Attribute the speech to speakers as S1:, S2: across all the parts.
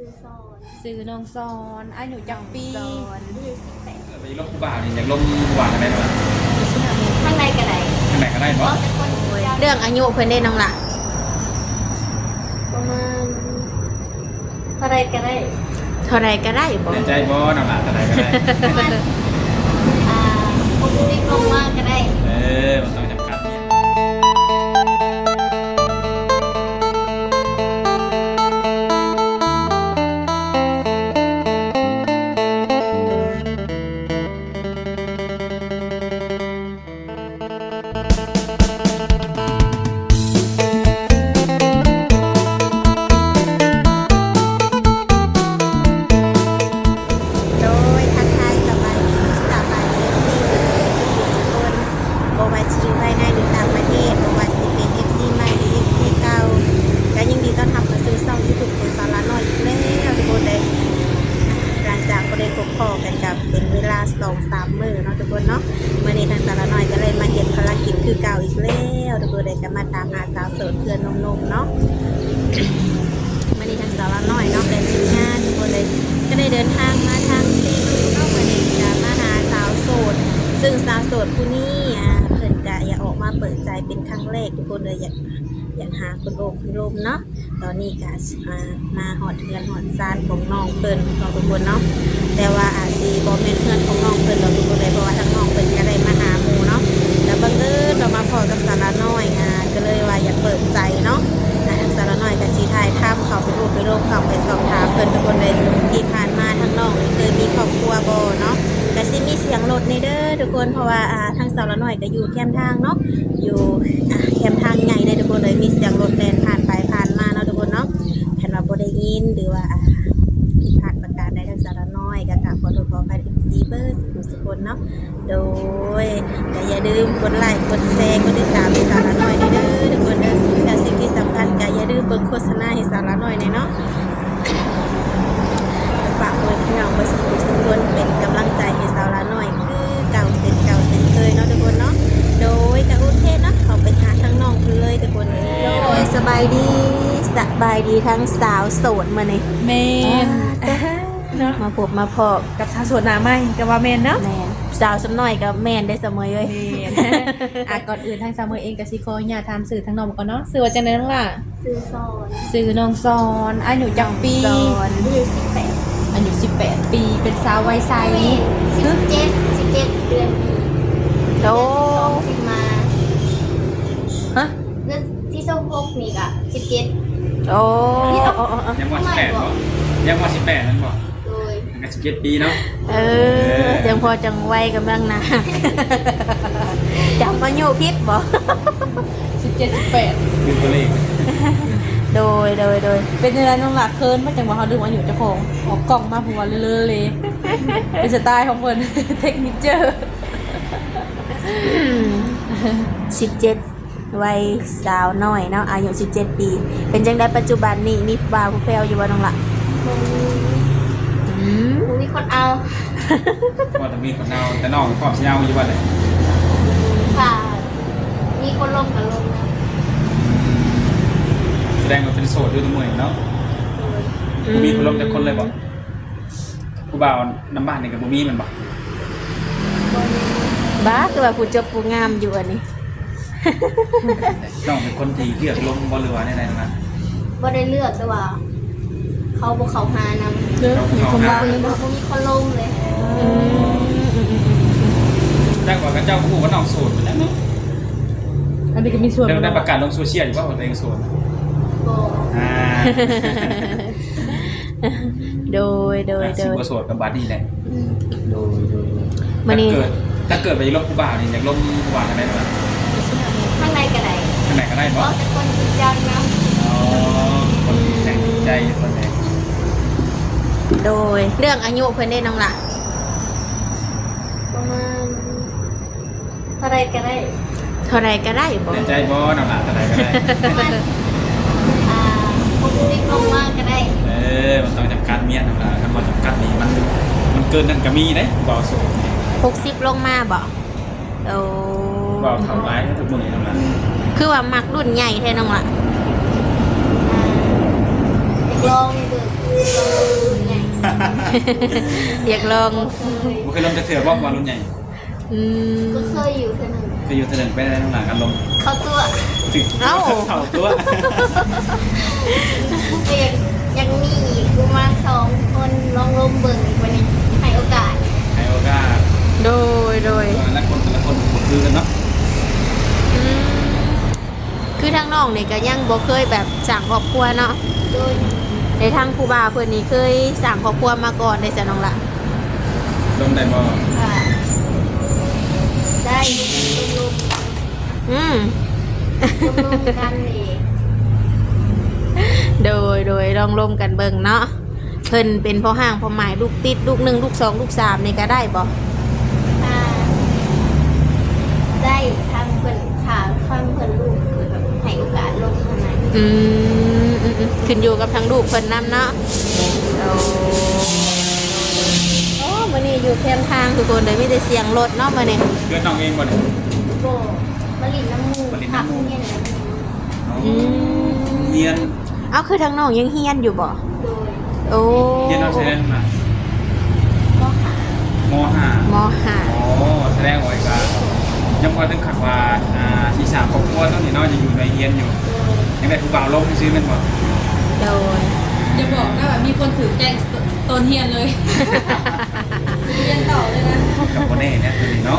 S1: ซื้อน้องซอนอายุจังปี
S2: ไปลบผู้บ่าวนี่อยากลบผู้บ่าวอะไรบ้าง
S3: ข้างในก็ได้
S2: ข้างไหนก็ได้
S3: เพ
S2: เนาะ
S3: ราะเป็นคนยาว
S1: เรื่องอายุเพิ่นได้น้องละ
S3: ประมาณเท่าไรก็ได้
S1: เท่าไรก็ได้บ่
S2: ในใจบ่นำหลานอะไรก็ได้
S3: ประมาณ60ลงมากก็ได้
S2: มันต้องจำกัดเนี่ย
S1: โดยทักทายสบายดีบ่ว่าสิอยู่ภายในหรือต่างประเทศบ่ว่าสิเป็น FC ใหม่หรือ FC เก่าก็ยินดีต้อนรับเข้าสู่ช่อง YouTube ของสาระน้อยอีกแล้วทุกคนเลยหลังจากบ่ได้พบพ้อกันกับเป็นเวลา 2-3 มื้อเนาะทุกคนเนาะมื้อนี้ทางสาระน้อยก็เลยมาเฮ็ดภารกิจคือเก่าอีกแล้วทุกคนเลยก็มาตามหาสาวโสดเพื่อนนมๆเนาะ วันนี้ทางสาวน้อยเนาะเป็นทีมงานทุกคนเลยก็ได้เดินทางมาทางซีนูเนาะวันนี้จะมาหาสาวโสดซึ่งสาวโสดผู้นี้เพิ่นก็อยากออกมาเปิดใจเป็นครั้งแรกทุกคนเลยอยากหาคนโอบคนลมเนาะตอนนี้ก็มาหอดเทือนหอดซานของน้องเพิ่นของทุกคนเนาะแต่ว่าอาจสิบ่แม่นเพื่อนของน้องเพิ่นหรอกทุกคนเลยเพราะว่าทางน้องเพิ่นก็ได้มาหาหมู่เนาะแล้วบังเอิญเรามาพอกับสาวน้อยก็เลยว่าอยากเปิดใจเนาะ ทางสารน้อยกับสีไทยท่ามเขาไปรูปไปโลกเขาไปสอบถามเพิ่นทุกคนเลยที่ผ่านมาทั้งน้องเคยมีครอบครัวบ่เนาะแต่สิมีเสียงรถในเด้อทุกคนเพราะว่าทางสารน้อยก็อยู่แคมทางเนาะอยู่แคมทางใหญ่เลยทุกคนเลยมีเสียงรถแล่นผ่านไปผ่านมาเนาะทุกคนเนาะแผ่นว่าบ่ได้ยินหรือว่าผิดพลาดประการใดทางสารน้อยก็กราบขอโทษขออภัยซีเบอร์สุคนเนาะโดยก็อย่าลืมกดไลค์กดแชร์กดติดตามสารน้อยเด้อทุกคนเด้อแต่สิ่งที่สำคัญก็อย่าลืมเบิ่งโฆษณาให้สาระหน่อยเนาะฝากเพื่อนพี่น้องมาสู่ทุกคนเป็นกำลังใจให้สาระหน่อยคือเก่าเสร็จเคยเนาะทุกคนเนาะโดยกระอุเทศเนาะเขาไปหาทั้งน้องเลยทุกคนโดยสบายดีทั้งสาวโสดมาเนี่ย
S4: แมนเนาะ
S1: มาพบมาพอ
S4: กับชาวสวนหนาไหมกับว่าแมนเนาะ
S1: แมนสาวสำน้อยกับแมนได้เสมอเลย
S4: แมน ก่อนอื่นทางซามเมอร์เองกับซิโคอย่าทำสื่อทางนมก่อนเนาะสื่อว่าจะไหนน้องล่ะ
S3: ซื้อซอน
S4: สื่อน้องซอนอายุจังปี
S1: สอน
S4: อายุ18 ปีเป็นสาววัยใส
S3: 17เดือนนี้
S1: โอ้
S3: สิมา
S1: ฮะ
S3: เดือนที่26นี่ก็17
S1: โอ้
S2: ยังว่า18บ่ยังว่า18นั่นบ่
S3: โดย
S2: ยัง17 ปีเนาะ
S1: ยังพอจังไวกำลังนะ จำมาอยู่พิษบ่
S4: 17 18
S2: ดูตัวเลข
S1: โดย
S4: เป็นยังไงน้องล่ะเคินมาจังหวะเขาดึงมาอยู่เจ้าของออกกล่องมาผัวเลอะเลยเป็นสไตล์ของเพิ่น เทคนิคเจอร์
S1: 17วัยสาวน้อยเนาะอายุ17 ปี เป็นจังได้ปัจจุบันนี้มีบ่าวผู้แพรวอยู่บ่น้องละ
S3: บ่มีคนเอา
S2: ว่าจะมีคนเอาแต่น้องพร้อมสิเอาอยู่ว่าเลย
S3: ค่ะมีคนลงกับลงนะ
S2: แสดงว่าเป็นโสดด้วยตัวมือเนาะมีคนลบแต่คนเลยบ่ผู้บ่าวน้ำบ้านนี่กับบ่มีมันบ่
S1: บ้าคือว่าผู้จบผู้งามอยู่อันนี้
S2: น้องเป็นคนที่เลือกลงบ่หรือว่าในๆนั้น
S3: บ่ได้เลือกแต่ว่า เขาบ่เขาหานำ
S4: เด้อมีคนบ้า
S3: บ่มีคนลงเลย
S2: แต่ว่ากับเจ้าผู้ว่าน้องโสดเหมือนกันเนาะ
S4: อันนี้ก็มีส่วน
S2: เรื่องได้ประกาศลงโซเชียลอยู่ว่าตัวเองโสด
S3: บ่
S1: โดย
S2: สิบ่โสดกับบัดนี้แหละโดย
S1: มื้อนี้
S2: ถ้าเกิดไปลบผู้บ่าวนี่อยากลบผู้บ่าวอะไรบ้าง
S3: ข้างในก็ได้
S2: ข้างไหนก็ได้
S3: เพ
S2: บ่
S3: ราะเป็นคนยาวนะ
S2: อ๋อคนแต่งใจคนแรก
S1: โดยเรื่องอายุเพิ่นได้น้องละ
S3: ประมาณเท่าไรก็ได้
S1: เท่าไรก็ได้บ่
S2: ในใจบ่นำหลานอะไรก็ได้
S3: ประมาณ60ลงมากก็ได้
S2: มันต้องจำกัดเมียนำหลานคำว่าจำกัดนี่มันเกินนั่นก็มีเด้บ่โสด
S1: 60ลงมาบ่โอ้
S2: บ่เท่าไรก็ทุกมื้อนำหลาน
S1: คือว่ามักรุ่นใหญ่แท้น้องละ
S3: เด็กลองเด็กใหญ่
S1: อยากลอง
S2: บ่เคยลมจะเถื่อว่ารุ่นใหญ่
S1: อืม
S3: ก็เคยอยู่เท่านึง
S2: เคยอยู่เถื่อนไปได้ทั้งหลังกันลม
S3: เข้าตัว
S2: ถึง
S1: เอ้า
S2: เข่าตัว
S3: แต่ยังมีอีกประมาณ2 คนลองลมเบิ่งอีกวันนี้ให้โอกาส
S2: ให้โอกาส
S1: โดย
S2: แต่ละคนบ่คือกันเนาะ
S1: อืมคือทางน้องนี่ก็ยังบ่เคยแบบสร้างครอบครัวเนาะ
S3: โดย
S1: ในทางครูบาเพิ่นนี่เคยสร้างครอบครัวมาก่อนได้จ้ะน้องละ
S2: ลมได้บ่
S3: ค่ะได้ลม
S1: อืม
S3: ลมกันเอง
S1: โดยลองร่วมกันเบิ่งเนาะเพิ่นเป็นพ่อห้างพ่อหมายลูกติดลูก1ลูก2ลูก3นี่ก็ได้บ่
S3: อ่าได้ทางเพิ่นขาข้างเพิ่นลูกเพิ่นแบบให้โอกาสลงเท่านั้น
S1: อืมขึ้นอยู่กับทางลูกเพิ่นนํเนาะโอ้มื้อนี้อยู่แคมทางทุกคนเลยมีแต่เสียงรถเนาะมื้อนี้
S2: เกิดน้องเองบ่เนี่ย
S3: โบมะลินน้ำมูก
S2: มะลินน้ำมูก
S3: ผัเนี่ยนะ
S1: อืม
S2: เรียน
S1: เอาคือทางน้องยังเฮียนอยู่บ่
S3: โดย
S1: โอ้
S2: เรียนเอาใช้ได้มา
S3: ก็หาม
S2: .5
S1: มห้า
S2: อ๋อแสดงว่าก็ยังพอถึงขัดว่าที่3ครอบครัวต้องนี่เนาะจะอยู่ในเรียนอยู่ยังได้ผู้บ่าวลงซื้อแม่นบ่
S1: โดย
S4: จะบอกนะแบบมีคนถือแจ้งตนเฮียนเลย เรียนต่อเลยนะ
S2: กับบ่แน่เนี่ยตัวนี้เนาะ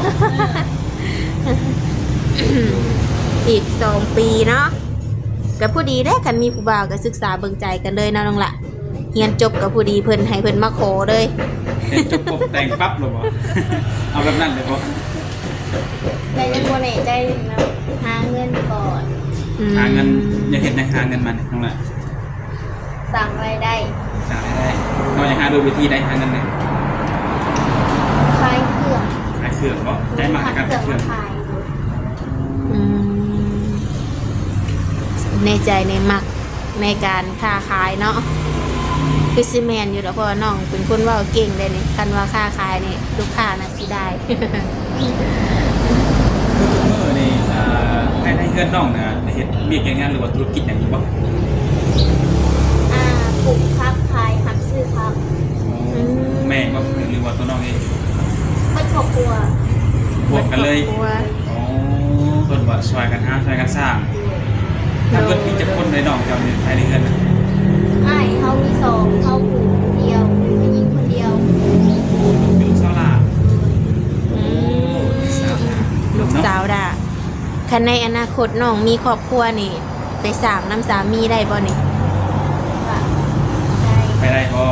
S1: อีก2 ปีเนาะกับผู้ดีได้อกันมีผู้บ่าวก็ศึกษาเบิ่งใจกันเลยเนาะน้องละเรียนจบกับผู้ดีเพิ่นให้เพิ่นมาขอเลย
S2: เห็นจบปุ๊บแต่งปั๊บเลยบ่ เอาแบบนั้นเลยบ่
S3: แต่ยังโบเน่ใจนะหาเงินก่อน
S2: หาเงินอย่าเห็นนะหาเงินมันน้องละ
S3: สั่งรายได้
S2: สร้างได้นอกจากหาโดยวิธีใดหาเงินเลย
S3: ขายเครื่อง
S2: ขายเครื่องบ่ใจมากในการขายเครื่อง
S3: ขาย
S1: อืมในใจในมักในการค้าขายเนาะคือซีแมนอยู่แล้วเพราะว่าน้องเป็นคนเว่าเก่งเลยนี่คันว่าค้าขายนี่ลูกค้าน่ะสิได้
S2: คือทุกมื้อนี่ให้เงินน้องนะเฮ็ดเวียกอย่างงานหรือว่าธุรกิจอย่างนี้บ่
S3: ปลูกพักขายหักซื้อพัก
S2: แม่บ่หรือว่าตัวน้องเอง
S3: ไม่ครอบครัว
S2: บวกกันเลย
S1: ครอบครัว
S2: อ๋อเพิ่นว่าช่วยกันหาช่วยกันสร้าง ถ้าเกิดมีจักคนในน้องเจ้านี่ภายในเงินน่ะ
S3: อ้ายเขามี2เขาปลูกคนเดียวผู้หญิงคนเดียว
S2: เป็นลูกสาวหลาน
S1: อืม
S2: สาวหลาน
S1: ลูกสาวด่าคันในอนาคตน้องมีครอบครัวนี่ ไปสร้างน้ำสามีได้บ่นี่
S3: ค่ะได้
S2: ไปได้บ่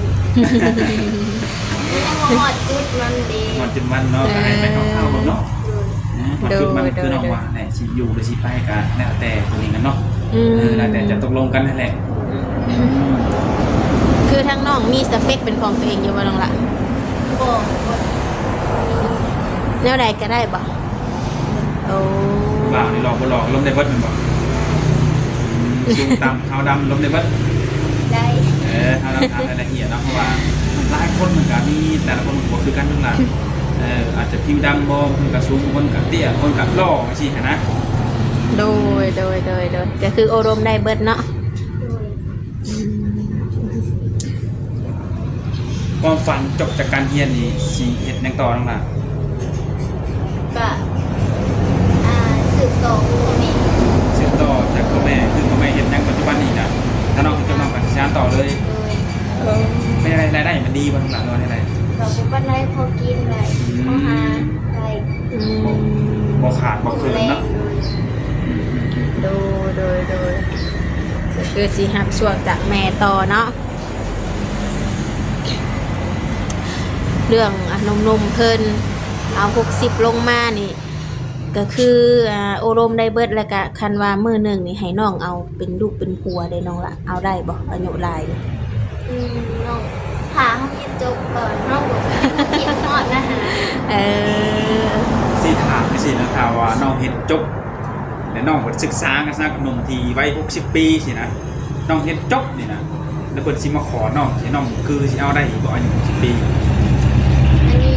S3: หอดจุดมันดี
S2: มันจุดมันเนาะก็ให้ไปเข้าๆเนาะมันจุดมัน
S1: โดย
S2: คือน้องว่าแหละสิอยู่หรือสิไปก็แล้วแต่ตัวนี้กันเนาะ
S1: อืม
S2: แล้วแต่จะตกลงกันนั่นแหละ
S1: คือทั้งน้องมีสเปคเป็นของตัวเองอยู่บ่น้องละ
S3: บอก
S1: แนวใดก็ได้บ่โอ้
S2: บ่าวนี่หลอกบ่หลอกล้มได้เบิดแม่นบ่สูงต่ำขาวดำล้มได้เบิด
S3: ได้
S2: ถ้าเราทำรายละเอียดเนาะเพราะว่าหลายคนเหมือนกันมีแต่ละคนบ่คือกันทั้งหลายอาจจะผิวดำบ่คนกับสูงคนกับเตี้ยคนกับหล่อจังซี่หันนะ
S1: โดยก็คือโอารมณ์ได้เบิดเนาะ
S2: ความฝันจบจากการเรียนนี่สิเฮ็ดหยังต่อน้องล่ะ
S3: ก็สืบต่อคุณแม่
S2: สืบต่อจากพ่อแม่คือพ่อแม่เฮ็ดหยังปัจจุบันนี้น่ะถ้าน้องจบน้องก็สิสานต่อเลย
S3: โดย
S2: ไม่ได้รายได้มันดีบ่น้องล่ะว่าได้
S3: เราบุบันได้พอกินได้พอหาได้
S1: อืม
S2: บ่ขาดบ่เกินเนาะ
S1: โดยก็คือสิรับช่วงจากแม่ต่อเนาะเรื่องนมเพิ่นเอา60ลงมานี่ ก็คือโอารมณ์ได้เบิดแล้วก็คันว่ามื้อหนึงนี่ให้น้องเอาเป็นลูกเป็นผัวได้น้องละเอาได้บ่อายุหลายนี่
S3: น้องหาห้องเรียนจบก่อนน้องบอกเขียนหอดนะฮะ
S1: เออ
S2: สิถามจังซี่นะถ้าว่าน้องเฮ็ดจบแล้วน้องก็ศึกษากันซะกับหนุ่มที่วัย60 ปีสินะน้องเฮ็ดจบนี่นะแล้วเพิ่นสิมาขอน้องสิน้องคือสิเอาได้บ่อายุ60 ปี
S3: อันนี้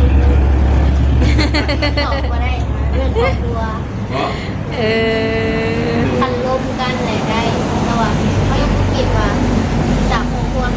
S3: ตอบมาได้เรื่องครอบครัว
S2: เพราะ
S1: เออ
S3: คันลมกันไหนได้แต่ว่าเขายังคิดว่าจากครอบครัว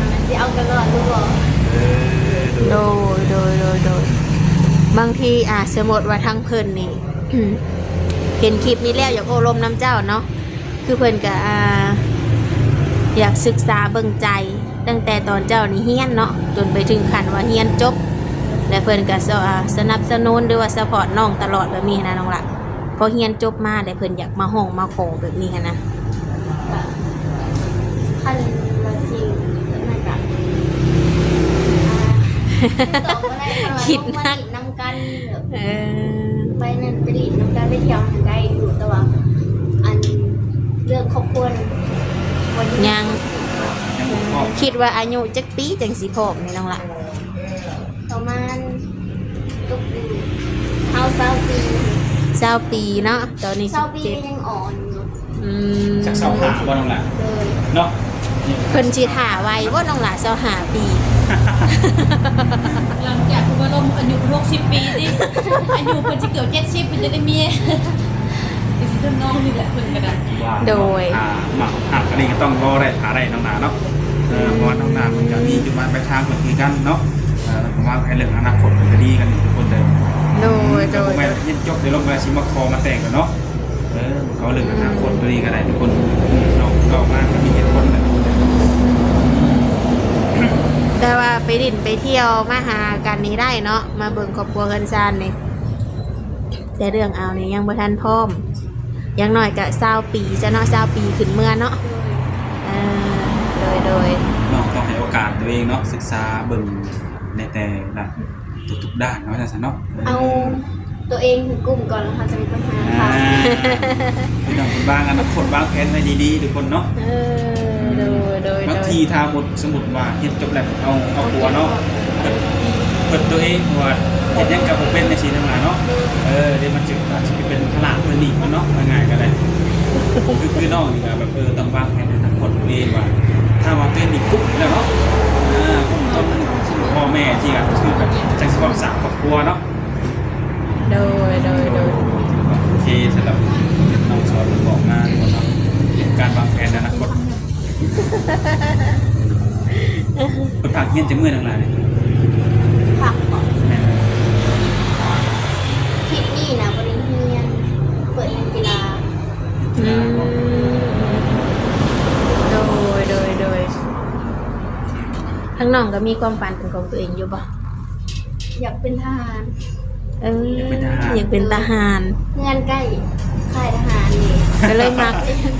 S1: โดยบางทีสมมติว่าทางเพิ่นนี่ เห็นคลิปนี้แล้วอยากโอลมน้ำเจ้าเนาะคือเพิ่นก็อยากศึกษาเบิ่งใจตั้งแต่ตอนเจ้านี่เฮียนเนาะจนไปถึงขั้นว่าเฮียนจบและเพิ่นก็สนับสนุนหรือว่าซัพพอร์ตน้องตลอดแบบนี้นะน้องหลักพอเฮียนจบมาแต่เพิ่นอยากมาห้องมาขอแบบนี้นะ
S3: คันมาซิงนั่นก็ตอบบ่ได้คิดนักนำกันไปนั่นไปหลีดนำกันไปเที่ยวทางใดอยู่แต่ว่าอันเรื่องครอบครัววันนี้
S1: ยัง
S2: บ่พร้อม
S1: คิดว่าอายุจักปีจังสิพร้อมนี่น้องหลัก
S3: ประมาณตุกเฮา20 ปี
S1: 20 ปีเนาะตอนนี้
S3: 20 ปียังอ่อนอยู่
S1: 17
S2: จักเสาหาบ่น้องล่ะ
S3: เลย
S2: เนาะ
S1: เพิ่นสิถ่าไว้ว่าน้องหลา25 ปี
S4: หลังจากคุณว่าลมอายุ60 ปีสิอายุเพิ่นสิเกือบ70เพิ่นจะได้เมียสิเพิ่นน้องนี่แหละเพิ่นก็ได้
S2: ว่า
S1: โดย
S2: หมักหักอันนี้ก็ต้องรอได้หาได้น้องนาเนาะเพราะว่าน้องนามันก็มีจุดหมายปลายทางเหมือนกันเนาะผมว่าให้เรื่องอนาคตมันก็ดีกันทุกคนเลย
S1: โดย
S2: แต่ผมไม่เย็นจบเดี๋ยวลงมาชิมาคอมาแต่งกันเนาะเขาเรื่องอนาคตก็ดีกันได้ทุกคนนอกมาก็มีเหตุผลแหละ
S1: แต่ว่าไปดินไปเที่ยวมาหากันนี้ได้เนาะมาเบิ่งครอบครัวกันซานนี่แต่เรื่องเอานี่ยังบ่ทันพร้อมอยังน้อยก็20 ปีจะเนาะ20 ปีขึ้นเมื่อเนาะโดย
S2: น้องต้องให้โอกาสตัวเองเนาะศึกษาเบิ่งในแต่ละทุกๆด้านเนาะจังซั่นเนาะ
S3: เอาตัวเองถึงกลุ่มก่อนแล้วค่ะจะมีปัญหาค่ะ
S2: พี่น้องบางอนาคตบางแผนไว้ดีๆทุกคนเนาะ
S1: โดย
S2: บางทีถ้าหมดสมุดว่าเฮ็ดจบแล้วเอาหัวเนาะเปิดตัวเองว่าเฮ็ดหยังกับบ่เป็นในชีวิตทั้งหลายเนาะเดี๋ยวมันจะเป็นพลังเพิ่นนี่มันเนาะง่ายๆก็ได้คือน้องนี่ก็แบบต้องวางแผนในอนาคตตัวเองว่าถ้าว่าเป็นอีกปุ๊บแล้วเนาะต้นพ่อแม่ที่ก็คือแบบจังสิความสร้างครอบครัวเนาะ
S1: โดย
S2: โอเคสำหรับน้องสอนบอกมาคนเนาะการวางแผนในอนาคตคนผักเงี้ยจะเมื่อยทั้งหลาย
S3: ผักก่อนคลิปนี้นะบริเฮียนเปิดเรียนกีฬา
S1: โดยทั้งน้องก็มีความฝันเป็นของตัวเองอยู่บ่
S3: อยากเป็นทหาร
S1: อยากเป็นทหาร
S3: เงื่อนใกล้ค่ายทหารนี่
S1: ก็เลยมัก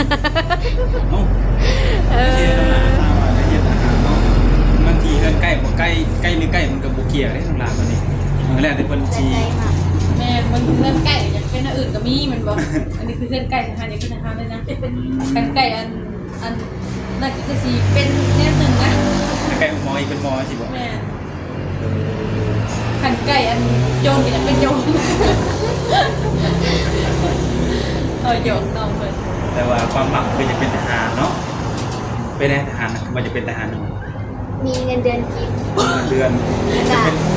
S2: บางทีเกินใกล้บ่ใกล้ใกล้หรือใกล้มันก็บ่เกี่ยวได้ทั้งหลายบัดนี้มันแล้วแต่เพิ่น
S3: ใจ
S2: ชี้
S3: ใจมาก
S4: แม่มันเพื่อนไก่อยากเป็นอันอื่นก็มีมันบอกอันนี้คือเพื่อนไก่ทหารอยากเป็นทหารเลยนะกันไก่อันนั่นก็คือสีเป็นแนวหนึ่งนะ
S2: ใกล้หมออีกเป็นหมอสิบ่
S4: แม่ขันไก่อันโยนก็อยากเป็นโยนโยนน้องเลย
S2: แต่ว่าความหมักคือจะเป็นทหารเนาะเป็นทหารนะมันจะเป็นทหาร
S3: มีเงินเดือนกิน
S2: เดือน
S3: กับ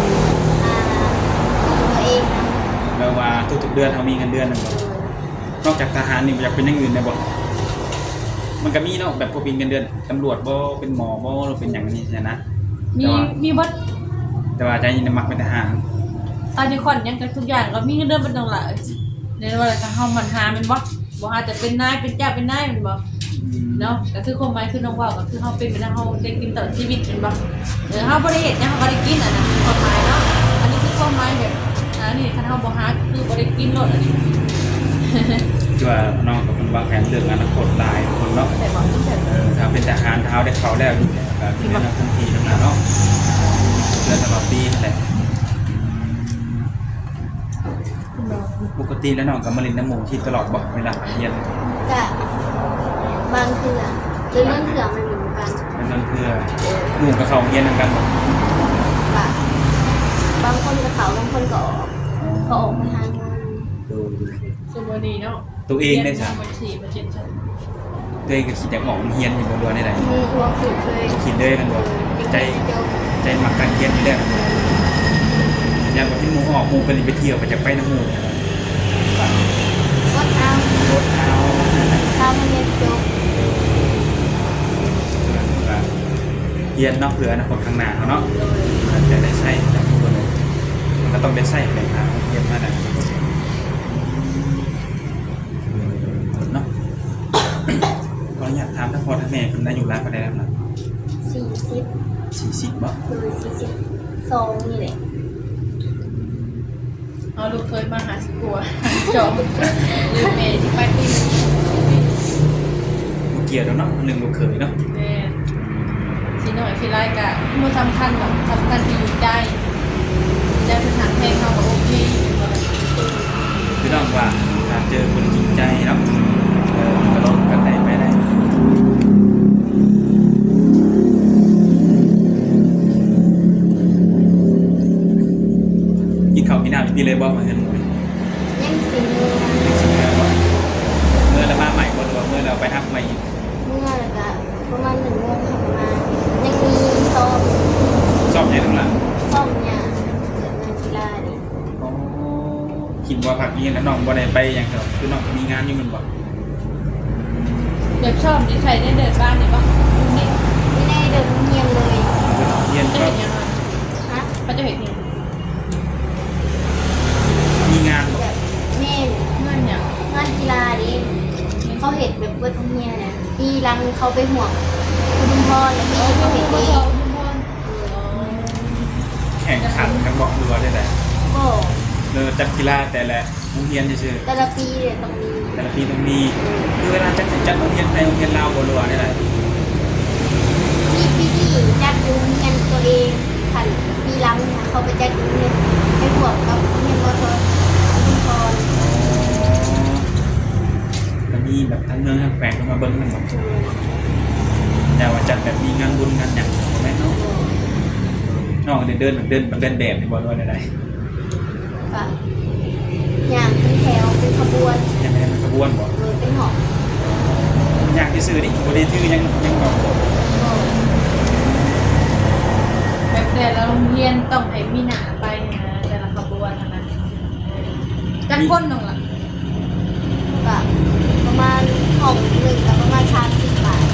S3: ตัวเองนะ
S2: แปลว่าทุกๆเดือนเขามีเงินเดือนนึงนอกจากทหารนี่มันจะเป็นอย่างอื่นได้บ่มันก็มีเนาะแบบพวกเป็นเงินเดือนตำรวจบ่เป็นหมอบ่หรือเป็นอย่างนี้นะ
S4: มีวัด
S2: แต่ว่าใจยินมักเป็นทหาร
S4: ตอนนี้คนยังกันทุกอย่างเรามีเงินเดือนเป็นตรงหลักในวันละเฮามันหาเป็นวัดบ่หาแต่เป็นนายเป็นเจ้าเป็นนายมันบ่เนาะก็คือความหมายคือน้องว่าก็คือเฮาเป็นไปได้เฮาได้กินตลอดชีวิตเป็นบ่เฮาบ่ได้เฮ็ดนะเฮาบ่ได้กินอ่ะนะความหมายเนาะอันนี้คือความหมายแบบนี่คันเฮาบ่หาคือบ่ได้กินโลดอันนี้
S2: ที่ว่าน้องกับคนวางแผนเรื่องอนาคตหลายคนเนาะ
S4: แต่บอกตั้งแต่
S2: ถ้าเป็นทหารเท้าได้เขาแล้วอยู่แล้วก็เป็นนักทันทีทั้งนั้นเนาะเดือนตลอดปีนั่นแหละปกติแล้วน้องกับมารินน้ำหมูที่ตลอดบ่เวลาเรียน
S3: กับบางเถื่อหรือเรื่องเถื่อมันเหมือนกัน
S2: นั่นเพื่อหมู่กับเขาเรียนนำกันบ่
S3: กับบางคนก็เขาบางคนก็ออกก็ออกไปหาเงิน
S2: ดู
S4: สมมุติเนาะ
S2: ตัวเองได้จ้ะ
S4: บัญชีบัญชีฉัน
S2: ตัวเองก็คิดอยากออกเรียนอยู่บ่ได้ใด
S3: มีตัวฝึกเลย
S2: คิดเลยกันบ่ใจมักการเรียนอยู่แล้วอยากว่าที่หมู่ออกหมู่ไปเที่ยวไปจะไปน้ำหมู่
S3: วัดเอา
S2: รถเอา
S3: ถ้ามันเรียนจบ
S2: เรียนเนาะเพื่ออนาคตข้างหน้าเขาเนาะมันจะได้ใช้จากทุกคนเลยมันก็ต้องได้ใช้ในทางเรียนมาได้เนาะก็อยากถามทั้งพ่อทั้งแม่คุณได้อยู่ร้านก็ได้แล้วนะ
S3: 40
S2: 40บ่
S3: คือ42นี่แหละ
S4: เอาลูกเคยมาหาสิกลัวจอบลืมเมย์ที่ไปที่
S2: บ่เกี่ยวแล้วเนาะหนึ่งลูกเขยเนาะ
S4: แม่สีหน่อยสีไรกะมันสำคัญแบบสำคัญที่อยู่ได้เป็นทางเพลงเขาก็โอเคอยู่บ่ล่ะ
S2: คือต้องว่าถ้าเจอคนจริงใจเนาะมันก็ลดกันได้ไม่ได้กินข้าวกินน้ำพี่เลยบ่มาเงินหมด
S3: ยังสิมือ
S2: เมื่อเรามาใหม่บ่หรือว่าเมื่อเราไปทักใหม่อีก
S3: เมื่อแล้วก็ประมาณ1 โมงค่ะประมาณยังมีซ้อม
S2: ชอบใจทั้งหลัง
S3: ซ้อมเนี่ยเกิดงานกีฬานี่
S2: คิดว่าพักนี้แล้วน้องบ่ได้ไปอย่างเดียวคือน้องมีงานอยู่มันบ่
S4: เด็กชอบนิสัยได้เดินบ้านนี่ปะนี่
S3: ไม่ได้เดินเงียบเลย
S2: เรียน
S4: จะ
S2: ก็
S4: เห็นยังไง
S3: ฮะ
S4: เขาจะเห็นยัง
S2: มีงานบ่
S3: แบบแม่น
S4: เงื่อนอย่าง
S3: งานกีฬาดิเขาเห็นแบบเบิดทั้งเมียเนี่ยปีรังเขาไปห่วงคุณพ่อแล้วพี่เขาเห็นเอง
S2: แข่งขันกันบ่หรือว่าได้แต่
S3: ก็
S2: จัดกีฬาแต่ละโรงเรียนซื่อ
S3: แต่ละปีเนี่ยต้องมี
S2: ๆแต่ละปีต้องมีคือเวลาจัดโรงเรียนไทยโรงเรียนลาวบ่หรือว่าได้
S3: มีพี่ที่จัดโรงเรียนตัวเองผ่านปีรังเนี่ยเขาไปจัดโรงเรียนไปห่วงกับโรงเรียนมอชคุณพ่อ
S2: ก็มีแบบทั้งเมืองทั้งแขวงมาเบิ่งมันบ่แต่ว่าจัดแบบมีงานบุญงานหยังแม่นเนาะน้องเดินแบบนี่บ่ว่าได้
S3: ก็อย่างเป็นแถวเป็นขบวน
S2: ยังไม่ได้เป็นขบวนบ่
S3: หรือเป็นหอบ
S2: อยากที่ซื้อดิบ่ได้ชื่อยังบอก
S4: แบบแต่ละโรงเรียนต้องให้มีหนาไปนะแต่ละขบวนนะจักคนหนึ่งล่ะ
S3: ก็ประมาณห้องหนึ่งกับประมาณ30 บาท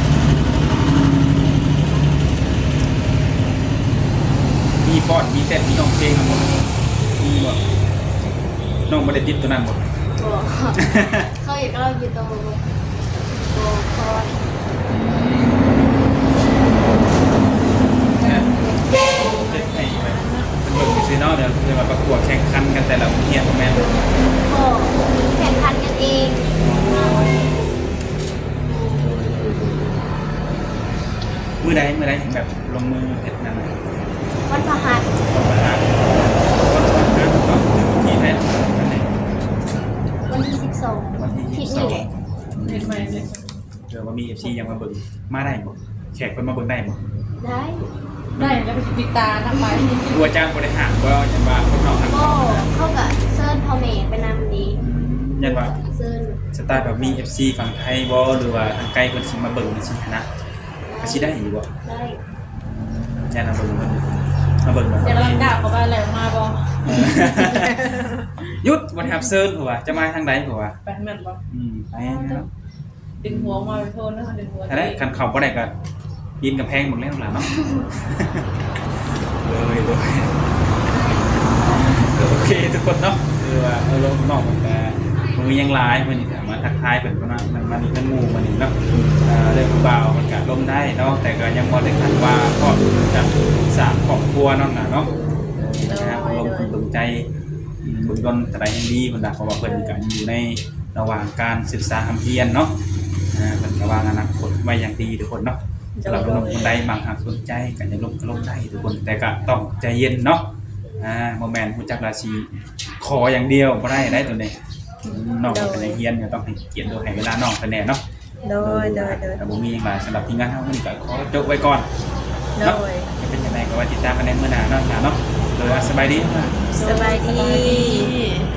S2: มีฟอดมีเต้นมีน้องเพลงทั้งหมดมีบ่น้องบ่ได้ติดตัวนั้นบ่
S3: ก็เขาอยากเราอยู่ตรงโบคอน
S2: เฮ็ดให้แบบเป็นเบิ่งซื่อเนาะเดี๋ยวจะมาประกวดแข่งขันกันแต่ละโรงเรียนบ่แม่น
S3: ก็แข่งขันกันเอง
S2: มื้อใดแบบลงมือเฮ็ดนั่นน่ะ
S3: วันพฤหัส
S2: ต้องมาหาวันสำคัญเนาะถึงที่ไหนวันไหน
S3: วันที่
S2: วันที่
S3: 12ทิศนี่แหละ
S4: เห็นไหมเลย
S2: เดี๋ยวว่ามี FC ยังมาเบิ่งมาได้บ่แขกเพิ่นมาเบิ่งได้บ่
S3: ได้
S4: ได้แล้วไปปิดตาน้ำไป
S2: ครูอาจารย์บริหารว่ายันว่าพวกเราทำ
S3: ก็เข้ากับเซิร์นพ่อแม่ไปนำดี
S2: ยันว่า
S3: เซิร์น
S2: สไตล์แบบมี FC ฝั่งไทยบ่หรือว่าทางไกลเพิ่นสิมาเบิ่งสินะก็สิได้อยู่บ่
S3: ได้
S2: ยันมาเบิ่งบ่
S4: เดี๋ยวเราด่าเขาไปอะไรมาบอ
S2: หยุดบ่ทับเซิร์นผัวจะมาทางใดผัว
S4: ไปแม่นบอ
S2: ไปครับ
S4: ดึงหัวมาไปโทษนะดึงหัว
S2: ถ้าได้คันเข้าบ่ได้ก็ปีนกำแพงหมดแล้วล่ะเนาะเลยโอเคทุกคนเนาะคือว่าลงนอกมันก็มือยังหลายเพิ่นนี่มาทักทายเพิ่นว่ามันมีเพิ่นหมู่มันนี่เนาะเรื่องเบามันก็ล้มได้เนาะแต่ก็ยังบ่ได้คันว่าครอบจะสร้างครอบครัวนั่นน่ะเนาะนะครับลงทุนลงใจบุญดลแต่ใดยังดีเพิ่นน่ะเพราะว่าเพิ่นก็อยู่ในระหว่างการศึกษาคำเพียรเนาะเพิ่นก็วางอนาคตไว้อย่างดีทุกคนเนาะสำหรับลงคนใดบางหากสนใจก็จะลงก็ลงได้ทุกคนแต่ก็ต้องใจเย็นเนาะบ่แม่นฮู้จักราศีขออย่างเดียวบ่ได้ตัวนี้น้องเป็นเฮียนก็ต้องให้เกียรติโดยให้เวลาน้องเพิ่นแน่เนาะ
S1: โดย
S2: แต่บ่มีหยังหลายสำหรับทีมงานเฮามื้อนี้ก็ขอจบไว้ก่อน
S1: โด
S2: เนาะ
S1: ย
S2: จะเป็นจังไดก็ไว้ติดตามกันในมื้อหน้าเนาะโดยสบายดี
S1: สบายดี
S4: ดี